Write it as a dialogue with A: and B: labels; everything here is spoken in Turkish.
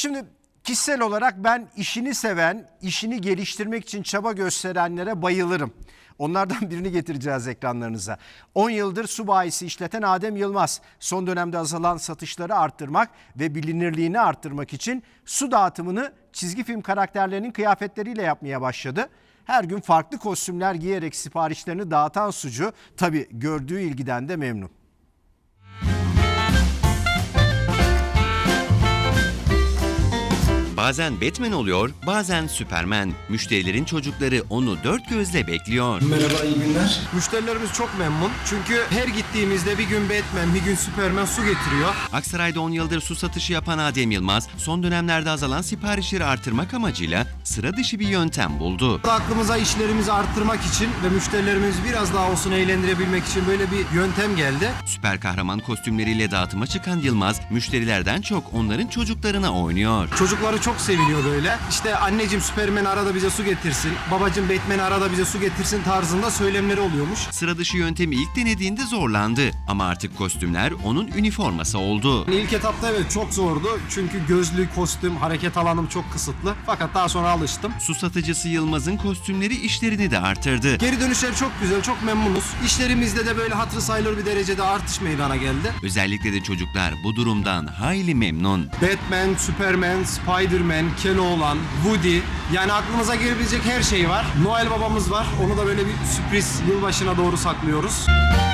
A: Şimdi kişisel olarak ben işini seven, işini geliştirmek için çaba gösterenlere bayılırım. Onlardan birini getireceğiz ekranlarınıza. 10 yıldır su bayisi işleten Adem Yılmaz, son dönemde azalan satışları arttırmak ve bilinirliğini arttırmak için su dağıtımını çizgi film karakterlerinin kıyafetleriyle yapmaya başladı. Her gün farklı kostümler giyerek siparişlerini dağıtan sucu tabii gördüğü ilgiden de memnun.
B: Bazen Batman oluyor, bazen Superman. Müşterilerin çocukları onu dört gözle bekliyor.
C: Merhaba, iyi günler. Müşterilerimiz çok memnun. Çünkü her gittiğimizde bir gün Batman, bir gün Superman su getiriyor.
B: Aksaray'da 10 yıldır su satışı yapan Adem Yılmaz, son dönemlerde azalan siparişleri artırmak amacıyla sıra dışı bir yöntem buldu.
C: Aklımıza işlerimizi arttırmak için ve müşterilerimizi biraz daha olsun eğlendirebilmek için böyle bir yöntem geldi.
B: Süper kahraman kostümleriyle dağıtıma çıkan Yılmaz, müşterilerden çok onların çocuklarına oynuyor.
C: Çocukları çok seviniyor böyle. İşte anneciğim Superman arada bize su getirsin, babacığım Batman arada bize su getirsin tarzında söylemleri oluyormuş.
B: Sıra dışı yöntemi ilk denediğinde zorlandı ama artık kostümler onun üniforması oldu.
C: İlk etapta evet çok zordu. Çünkü gözlük, kostüm, hareket alanım çok kısıtlı. Fakat daha sonra alıştım.
B: Su satıcısı Yılmaz'ın kostümleri işlerini de artırdı.
C: Geri dönüşler çok güzel, çok memnunuz. İşlerimizde de böyle hatırı sayılır bir derecede artış meydana geldi.
B: Özellikle de çocuklar bu durumdan hayli memnun.
C: Batman, Superman, Spiderman, Keloğlan, Woody, yani aklınıza gelebilecek her şey var. Noel babamız var. Onu da böyle bir sürpriz yılbaşına doğru saklıyoruz.